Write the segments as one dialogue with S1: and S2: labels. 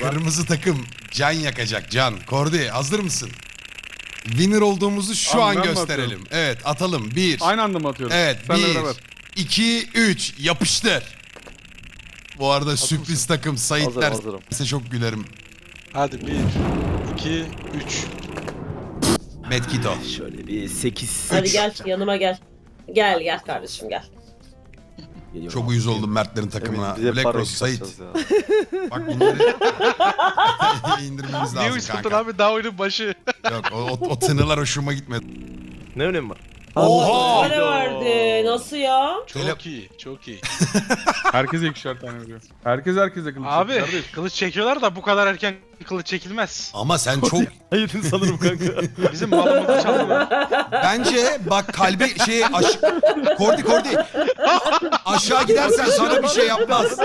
S1: Kırmızı takım can yakacak can. Kordi hazır mısın? Winner olduğumuzu şu
S2: Abi
S1: an
S2: ben mi
S1: gösterelim.
S2: atıyorum?
S1: Evet atalım. 1.
S2: Aynı anda mı atıyoruz?
S1: Evet
S2: Senle
S1: 1,
S2: beraber.
S1: 2, 3 yapıştır. Bu arada sürpriz takım Saitler.
S3: Hazırım.
S1: Size çok gülerim.
S4: Hadi 1, 2, 3.
S1: Medkito.
S5: Şöyle bir 8.
S6: Hadi gel yanıma gel. Gel kardeşim gel.
S1: Çok uyuz oldum Mertlerin takımına.
S3: Emin, bize
S1: Black
S3: para
S1: Rose, Sait.
S3: kasacağız ya.
S1: Bak bunları indirmemiz
S4: Niye
S1: lazım
S4: uyuskutun
S1: kanka.
S4: abi daha oyunun başı.
S1: Yok o tınılar hoşuma gitmedi.
S5: Ne önemi var?
S1: Oha!
S6: Öyle verdi. Nasıl ya?
S4: Çok iyi, çok iyi.
S2: Herkese ikişer tane veriyor. Herkese kılıç
S4: Abi
S2: çekiyor kardeş.
S4: kılıç çekiyorlar da bu kadar erken kılıç çekilmez.
S1: Ama sen çok
S5: Hayır sanırım kanka.
S4: Bizim malımızı çaldılar.
S1: bence bak kalbi Kordi aşağı gidersen sana bir şey yapmaz.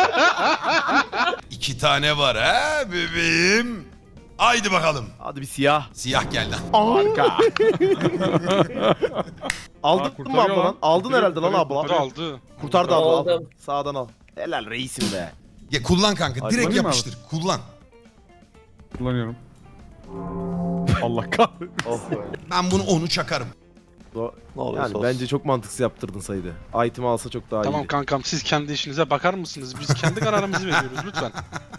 S1: 2 tane var ha bebeğim. Haydi bakalım.
S5: Hadi bir siyah.
S1: Siyah geldi.
S5: Harika. Aldın mı
S2: kurtarıyor
S5: abla lan?
S2: lan.
S5: Aldın herhalde lan abla.
S4: Aldı aldı.
S5: Kurtardı abla. Al.
S6: Aldım.
S5: Sağdan al. Helal reisim be.
S1: Ya kullan kanka. Direkt
S2: kullanayım mı
S1: yapıştır. Kullan.
S2: Kullanıyorum. Allah kahretsin.
S3: Oh be.
S1: Ben bunu onu çakarım.
S3: Ne olursa
S5: Yani
S3: olsun.
S5: bence çok mantıksız yaptırdın Saydı. Item'i alsa çok daha
S4: Tamam
S5: iyiydi.
S4: kankam siz kendi işinize bakar mısınız? Biz kendi kararımızı veriyoruz lütfen.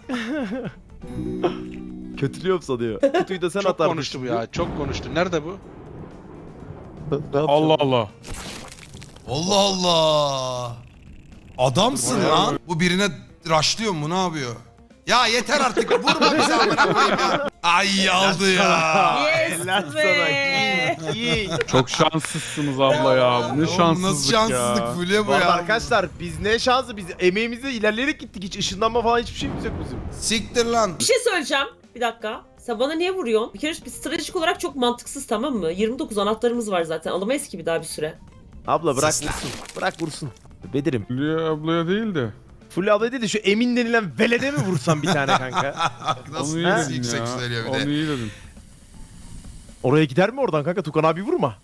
S5: Kötülüyorum sanıyor. Kutuyu da sen
S4: Çok
S5: atardın.
S4: konuştu bu ya. Çok konuştu. Nerede bu?
S3: Ne yapacağım?
S2: Allah Allah.
S1: Allah Allah. Adamsın lan. Bu birine raşlıyor mu ne yapıyor? Ya yeter artık vurma bizi amına koyayım ya. Ay aldı ya.
S6: Yes
S5: Helal
S6: be.
S5: sana. İyi.
S2: Çok şanssızsınız abla ya. Bu ne
S1: Oğlum
S2: şanssızlık
S1: nasıl şanssızlık
S2: ya.
S1: Fulya bu
S5: Bu arada
S1: ya.
S5: arkadaşlar biz ne şansı biz emeğimizle ilerleyerek gittik. Hiç ışınlanma falan hiçbir şeyimiz yok bizim.
S1: Siktir lan.
S6: Bir şey söyleyeceğim. Bir dakika. Sen bana niye vuruyorsun? Bir kere bir stratejik olarak çok mantıksız tamam mı? 29 anahtarımız var zaten. Alamayız ki bir daha bir süre.
S5: Abla bırak
S1: Sesler.
S5: vursun. Bırak vursun. Bedirim.
S2: Fulya ablaya değil de.
S5: Fulya abla değil de şu Emin denilen velede mi vursan bir tane kanka?
S1: Nasıl
S2: Onu iyi
S1: nasıl
S2: dedin
S1: yüksek
S2: ya.
S1: söylüyor bir
S2: Onu
S1: de.
S2: iyi dedin.
S5: Oraya gider mi oradan kanka? Tukan abi vurma.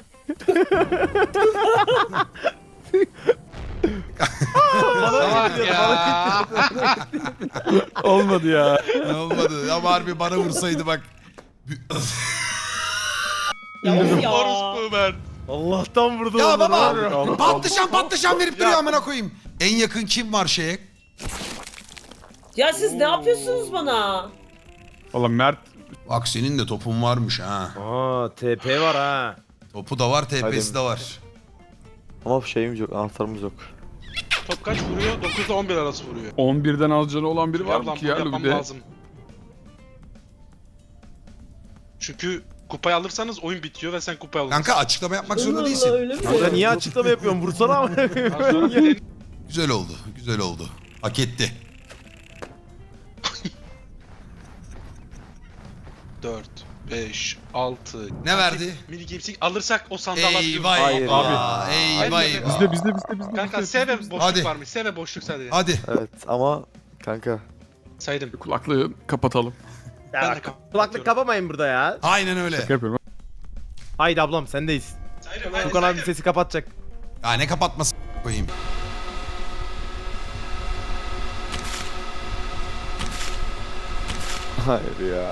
S4: Salak ya.
S2: Olmadı ya.
S1: Ne olmadı ama harbi bana vursaydı bak.
S6: Ya of ya.
S4: Orospu ben.
S5: Allah'tan vurdu.
S1: Ya
S5: onları
S1: baba
S5: var ya.
S1: patlıcan verip duruyor amına koyayım. En yakın kim var şeye?
S6: Ya siz ne yapıyorsunuz bana?
S2: Valla Mert
S1: Bak senin de topun varmış ha.
S5: Aa TP var ha.
S1: Topu da var, TP'si de var.
S3: Ama şeyimiz yok, anahtarımız yok.
S4: Top kaç vuruyor? 9 ile 11 arası vuruyor.
S2: 11'den az canı olan biri var mı
S4: Yardan
S2: ki
S4: bunu
S2: ya
S4: yapmam
S2: bir de?
S4: lazım. Çünkü kupayı alırsanız oyun bitiyor ve sen kupayı alırsın.
S1: Kanka açıklama yapmak zorunda
S6: Allah
S1: değilsin.
S6: öyle mi?
S5: Kanka niye açıklama yapıyorsun? Vursana ama.
S4: Az sonra bir
S1: Güzel oldu, güzel oldu. Hak etti.
S4: 4, 5, 6.
S1: Ne verdi?
S4: Mini Games'i alırsak o sandığı alabiliyoruz.
S1: Eyvah
S3: Hayır
S1: eyvah.
S4: ya.
S1: Eyvah
S4: Hayır.
S1: eyvah.
S2: Bizde.
S4: Kanka
S2: bizde,
S4: sev ve
S2: bizde.
S4: boşluk
S1: Hadi.
S4: varmış. Sev ve boşluk sadece.
S1: Hadi.
S3: Evet ama kanka
S4: Saydım.
S2: Kulaklığı kapatalım.
S4: Ben de
S5: Ya, kulaklık kapamayın burada ya.
S1: Aynen öyle.
S2: Şaka yapıyorum.
S5: Haydi ablam sendeyiz.
S4: Saydım.
S5: Tukan abi sesi kapatacak.
S1: Ya ne kapatması koyayım.
S3: hayır ya.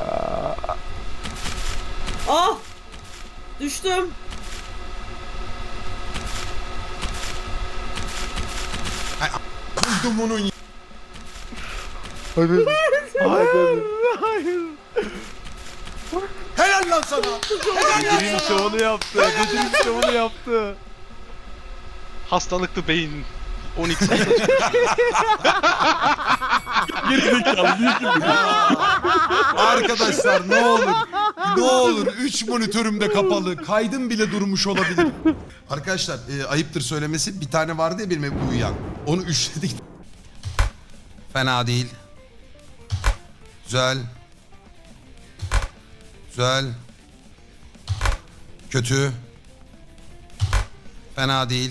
S6: Ah! Düştüm.
S1: Kuzdu bunun.
S3: Hadi. Hadi.
S5: Hayır.
S1: Helal lan sana.
S5: Bedir'in şovunu yaptı. Bedir'in şovunu yaptı.
S4: Hastalıklı beyin. 12
S1: Arkadaşlar ne olur 3 monitörüm de kapalı. Kaydım bile durmuş olabilir. Arkadaşlar ayıptır söylemesi bir tane vardı ya benim hep uyuyan. Onu üçledik. Fena değil. Güzel. Güzel. Kötü. Fena değil.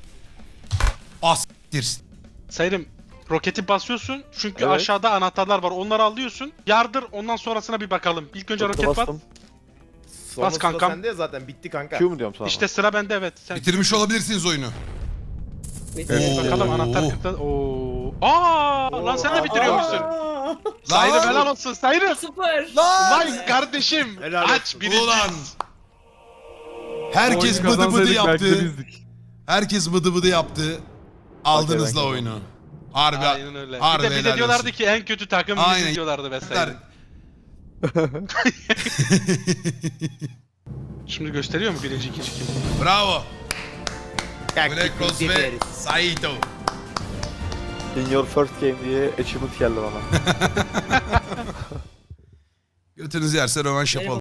S1: Astir.
S4: Saydım. Roketi basıyorsun çünkü
S3: Evet.
S4: aşağıda anahtarlar var. Onları alıyorsun. Yardır ondan sonrasına bir bakalım. İlk önce roket bas.
S3: Bastım.
S5: Sonra sıra
S4: kankam.
S5: sende ya zaten bitti kanka.
S3: Q mu diyorum sana?
S4: İşte sıra bende evet. Sen
S1: Bitirmiş olabilirsiniz oyunu.
S6: Bitti.
S1: Oo.
S4: bakalım anahtar kırkta. Oo. Aa, lan sen de bitiriyormuşsun. Sayın
S1: Lan!
S4: helal olsun Sayın.
S6: Süper.
S1: Lan!
S4: Vay kardeşim.
S5: Helal
S4: Aç
S5: olsun.
S4: birinci.
S1: Ulan! Herkes
S2: Oyunu
S1: bıdı bıdı
S2: kazansaydık belki de
S1: yaptı.
S2: bizdik.
S1: Herkes bıdı bıdı yaptı. Aldınız
S3: ben
S1: la oyunu. Harbi.
S4: Aynen öyle.
S1: Harbi
S4: Bir de
S1: helal
S4: diyorlardı
S1: olsun.
S4: ki en kötü takım
S1: Aynen.
S4: biziz diyorlardı vesaire. Şimdi gösteriyor mu birinci ikinci kim?
S1: Bravo.
S5: Taktik
S1: Black Rose ve
S5: bildiririz.
S1: Saito.
S3: In your first game diye achievement geldi bana.
S1: Götünüz yerse rövanş yapalım.